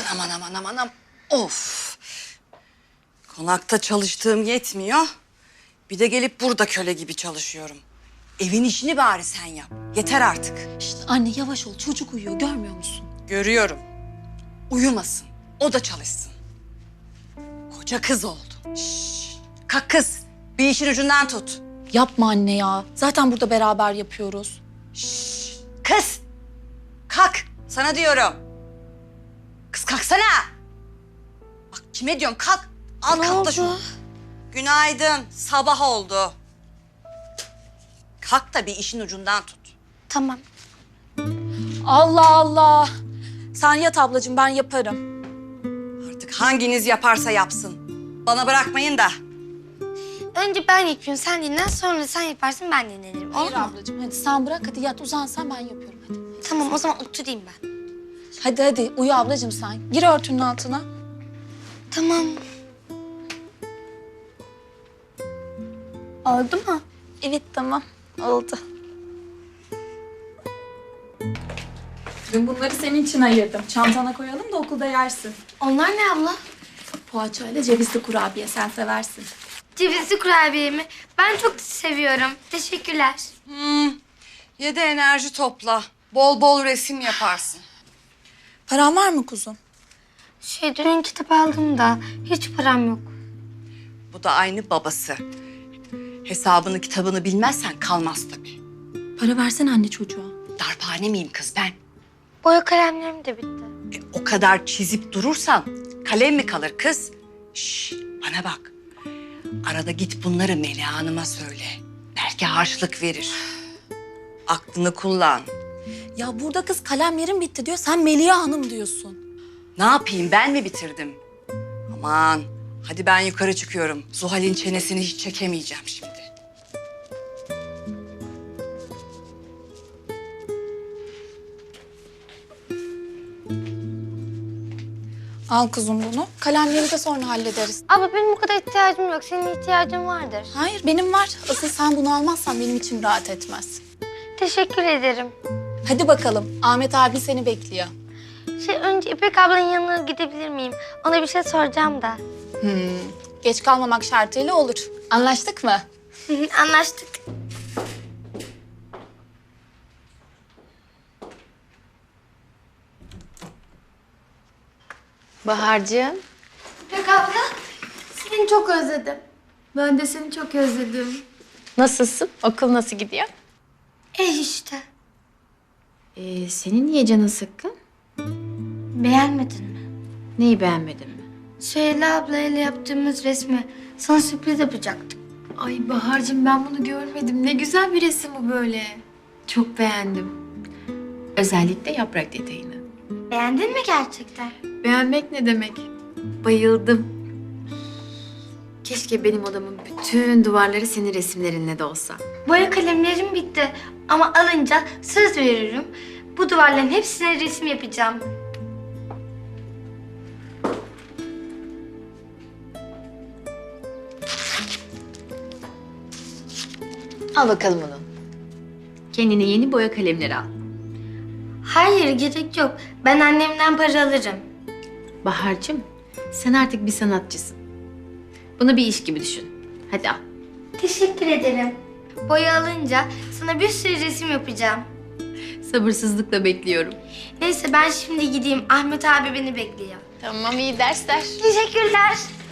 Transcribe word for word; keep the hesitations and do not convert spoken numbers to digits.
aman aman aman aman. Of. Konakta çalıştığım yetmiyor. Bir de gelip burada köle gibi çalışıyorum. Evin işini bari sen yap. Yeter artık. İşte anne yavaş ol. Çocuk uyuyor. Görmüyor musun? Görüyorum. Uyumasın. O da çalışsın. Koca kız oldu. Şşş. Kalk kız. Bir işin ucundan tut. Yapma anne ya. Zaten burada beraber yapıyoruz. Şşş. Kız. Kalk. Sana diyorum. Kız kalksana. Bak kime diyorum kalk. Al Ne katla oldu? şunu. Günaydın. Sabah oldu. Kalk da bir işin ucundan tut. Tamam. Allah Allah. Sen yat ablacığım, ben yaparım. Artık hanginiz yaparsa yapsın. Bana bırakmayın da. Önce ben yapıyorum, sen dinlen. Sonra sen yaparsın, ben dinlenirim. Hayır Olur mu? ablacığım, hadi sen bırak. Hadi yat, uzan sen, ben yapıyorum hadi. Tamam, o zaman oturayım ben. Hadi hadi, uyu ablacığım sen. Gir örtünün altına. Tamam. Oldu mu? Evet, tamam. Oldu. Dün bunları senin için ayırdım. Çantana koyalım da okulda yersin. Onlar ne abla? Poğaçayla cevizli kurabiye, sen seversin. Cevizli kurabiye mi? Ben çok seviyorum. Teşekkürler. Hmm. Ye de enerji topla. Bol bol resim yaparsın. Paran var mı kuzum? Şey, dün kitap aldım da hiç param yok. Bu da aynı babası. Hesabını kitabını bilmezsen kalmaz tabii. Para versene anne çocuğa. Darphane miyim kız ben? Boya kalemlerim de bitti. E, o kadar çizip durursan kalem mi kalır kız? Şş, bana bak. Arada git bunları Meliha Hanım'a söyle. Belki harçlık verir. Aklını kullan. Ya burada kız kalemlerim bitti diyor. Sen Meliha Hanım diyorsun. Ne yapayım ben mi bitirdim? Aman hadi ben yukarı çıkıyorum. Zuhal'in çenesini hiç çekemeyeceğim şimdi. Al kuzum bunu. Kalemleri de sonra hallederiz. Abla benim bu kadar ihtiyacım yok. Senin ihtiyacın vardır. Hayır benim var. Asıl sen bunu almazsan benim içim rahat etmez. Teşekkür ederim. Hadi bakalım. Ahmet abi seni bekliyor. Şey, önce İpek ablanın yanına gidebilir miyim? Ona bir şey soracağım da. Hmm. Geç kalmamak şartıyla olur. Anlaştık mı? Anlaştık. Bahar'cığım. İpek abla, seni çok özledim. Ben de seni çok özledim. Nasılsın? Okul nasıl gidiyor? Eh işte. Ee, senin niye canın sıkkın? Beğenmedin mi? Neyi beğenmedin mi? Süheyla ablayla yaptığımız resmi sana sürpriz yapacaktık. Ay Bahar'cığım ben bunu görmedim. Ne güzel bir resim bu böyle. Çok beğendim. Özellikle yaprak detayını. Beğendin mi gerçekten? Beğenmek ne demek? Bayıldım. Keşke benim odamın bütün duvarları senin resimlerinle de olsa. Boya kalemlerim bitti ama alınca söz veririm. Bu duvarların hepsine resim yapacağım. Al bakalım onu. Kendine yeni boya kalemleri al. Hayır, gerek yok. Ben annemden para alırım. Bahar'cığım sen artık bir sanatçısın. Bunu bir iş gibi düşün. Hadi al. Teşekkür ederim. Boya alınca sana bir sürü resim yapacağım. Sabırsızlıkla bekliyorum. Neyse ben şimdi gideyim. Ahmet abi beni bekliyor. Tamam iyi dersler. Teşekkürler.